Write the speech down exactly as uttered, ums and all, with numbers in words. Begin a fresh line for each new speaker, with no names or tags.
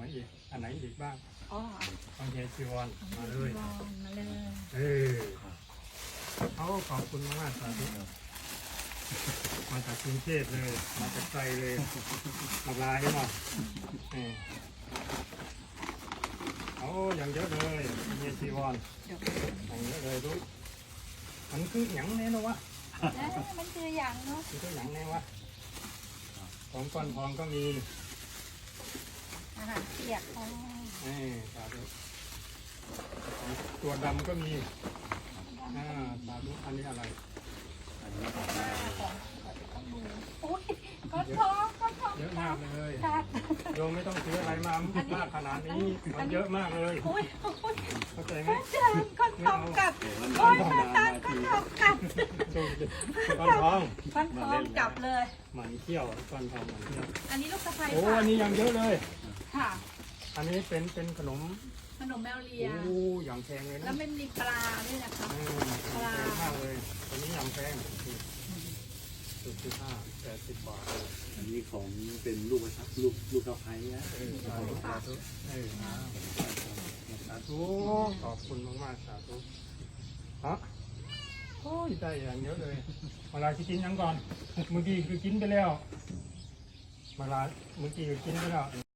ไหนอีกอันไหนอีกบ้าง
อ๋อ
ของเฮียจีวรมาเลย
ลองมาเลย
เออเขาขอบคุณมากสาธุมาจากกรุงเทพเลยมาจากไกลเลยมาลายเนาะเออเอาอย่างเยอะเลยเฮียจีวร
เดี๋ยว
อย่างเยอะเลยดูมันคือหยังแน่นวะ
เอ๊ะมันคืออย่างเนาะ
มันคือหยังแน่วะของก้อนทองก็มี
อาหารเปียกของ
เออสาธุของตัวดำก็มีอ่าสาธุอันนี้อะไร
อันนี้ของ
มาของของดูอุ้ยก้อนทองก้อนทอง
เยอะมากเลย
ค่ะ
โยมไม่ต้องซื้ออะไรมามากขนาดนี้มันเยอะมากเลย
อุ้ยอุ้ย
เข้าใจไหม
เจิญก้อนทองกับโอ้ยมาตานก้อนทองกับ
ก้อนทอง
ก้อนทองจับเลย
หมันเที่ยวก้อนทองหมันเที่ยว
อันนี้ลูกสะใภ้
โอ้
ค่ะ
อันนี้ยังเยอะเลย
ค่ะ
อันนี้เป็นเป็นขนม
ขนมแมวเลี
โอ้
ย
อย่างแพงเลย
แล้
นะ
วมันมีปลาด้วยนะคะ
อืมแพงมากเลยตัวนี้อย่างแพงสุดที่ห้าแปดสิบบาท
อันนี้ของเป็นลูกกระชับลูกลูกกระไพนะ
เออสาธุสาธุเออสาธุขอบคุณมากๆสาธุฮะโอ้ยได้อย่างเยอะเลยเวลาที่กินยังก่อนเมื่อกี้คือกินไปแล้วเวลาเมื่อกี้คือกินไปแล้ว